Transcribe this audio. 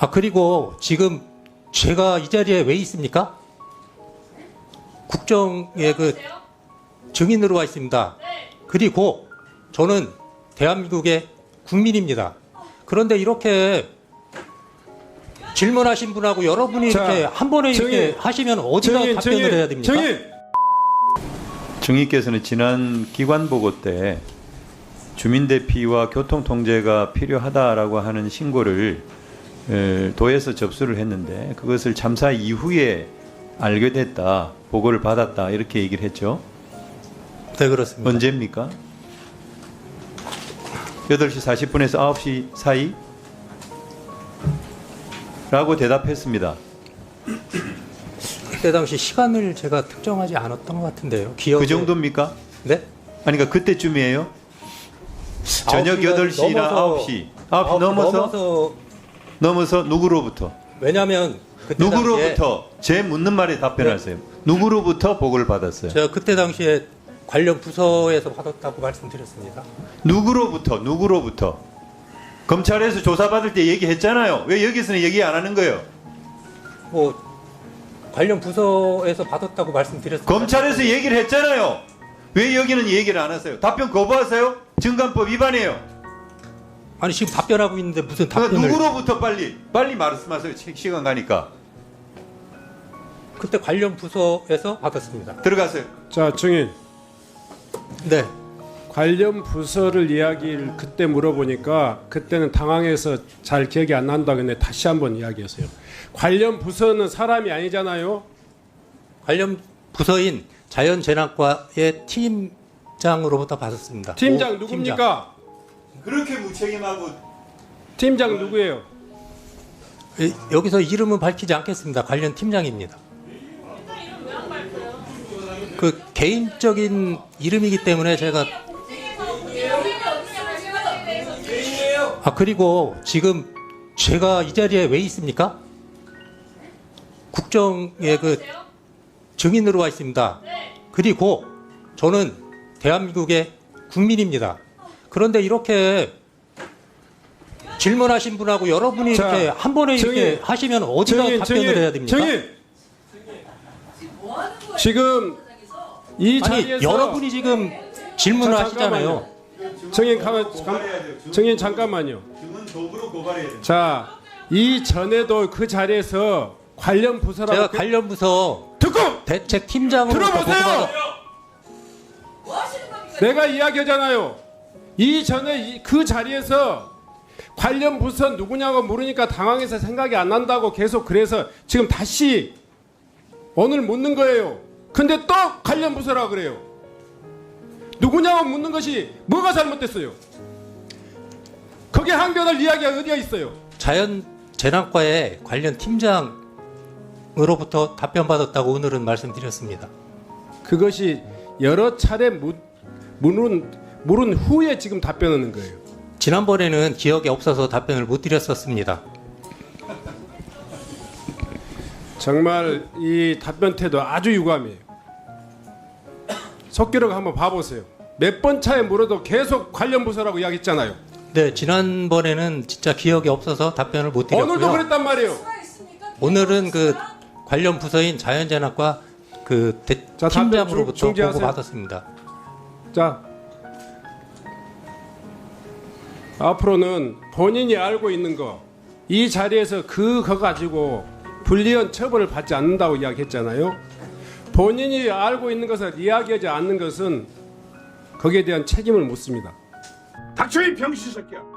그리고 지금 제가 이 자리에 왜 있습니까? 국정의 그 증인으로 와 있습니다. 그리고 저는 대한민국의 국민입니다. 그런데 이렇게 질문하신 분하고 여러분이 이렇게 한 번에 이렇게 하시면 어디다 답변을 해야 됩니까? 증인께서는 지난 기관 보고 때 주민 대피와 교통 통제가 필요하다라고 하는 신고를 도에서 접수를 했는데 그것을 참사 이후에 알게 됐다, 보고를 받았다 이렇게 얘기를 했죠. 네, 그렇습니다. 언제입니까? 8시 40분에서 9시 사이? 라고 대답했습니다. 그때 당시 시간을 제가 특정하지 않았던 것 같은데요. 기억에... 그 정도입니까? 네? 아니 그러니까 그때쯤이에요? 저녁 8시나 9시. 9시 넘어서 누구로부터? 왜냐하면 그때 누구로부터? 제 묻는 말에 답변하세요. 누구로부터 보고를 받았어요? 제가 그때 당시에 관련 부서에서 받았다고 말씀드렸습니다. 누구로부터? 검찰에서 조사받을 때 얘기했잖아요. 왜 여기서는 얘기 안 하는 거예요? 뭐 관련 부서에서 받았다고 말씀드렸습니다. 검찰에서 얘기를 했잖아요. 왜 여기는 얘기를 안 하세요? 답변 거부하세요? 증감법 위반이에요. 아니 지금 답변하고 있는데 무슨 답변을... 누구로부터 빨리 말씀하세요. 시간 가니까. 그때 관련 부서에서 받았습니다. 들어가세요. 자, 증인. 네. 관련 부서를 이야기를 그때 물어보니까 그때는 당황해서 잘 기억이 안 난다. 근데 다시 한번 이야기하세요. 관련 부서는 사람이 아니잖아요. 관련 부서인 자연재난과의 팀장으로부터 받았습니다. 팀장 누굽니까? 그렇게 무책임하고. 팀장 누구예요? 여기서 이름은 밝히지 않겠습니다. 관련 팀장입니다. 그 개인적인 이름이기 때문에 제가 그리고 지금 제가 이 자리에 왜 있습니까? 국정의 그 증인으로 와 있습니다. 그리고 저는 대한민국의 국민입니다. 그런데 이렇게 질문하신 분하고 여러분이 이렇게 한 번에 이렇게 하시면 어디다 답변을 해야 됩니까? 지금 이 자리에서 여러분이 지금 질문을 하시잖아요. 증인 잠깐만요. 증은 도구로 고발해야 돼요. 자, 이 전에도 그 자리에서 관련 부서라고 제가 관련 부서 대책팀장으로 들어보세요. 내가 이야기하잖아요. 이 전에 그 자리에서 관련 부서 누구냐고 물으니까 당황해서 생각이 안 난다고 계속 그래서 지금 다시 오늘 묻는 거예요. 근데 또 관련 부서라고 그래요. 누구냐고 묻는 것이 뭐가 잘못됐어요? 거기에 항변할 이야기가 어디가 있어요? 자연재난과의 관련 팀장으로부터 답변받았다고 오늘은 말씀드렸습니다. 그것이 여러 차례 물은 후에 지금 답변하는 거예요. 지난번에는 기억이 없어서 답변을 못 드렸었습니다. 정말 이 답변 태도 아주 유감이에요. 속기록 한번 봐보세요. 몇 번 차에 물어도 계속 관련 부서라고 이야기했잖아요. 네, 지난번에는 진짜 기억이 없어서 답변을 못 드렸고요. 오늘도 그랬단 말이에요. 오늘은 그 관련 부서인 자연재난과 그 팀장으로부터 보고 받았습니다. 자, 앞으로는 본인이 알고 있는 거, 이 자리에서 그거 가지고 불리한 처벌을 받지 않는다고 이야기했잖아요. 본인이 알고 있는 것을 이야기하지 않는 것은 거기에 대한 책임을 묻습니다. 닥쳐 이 병신 새끼야.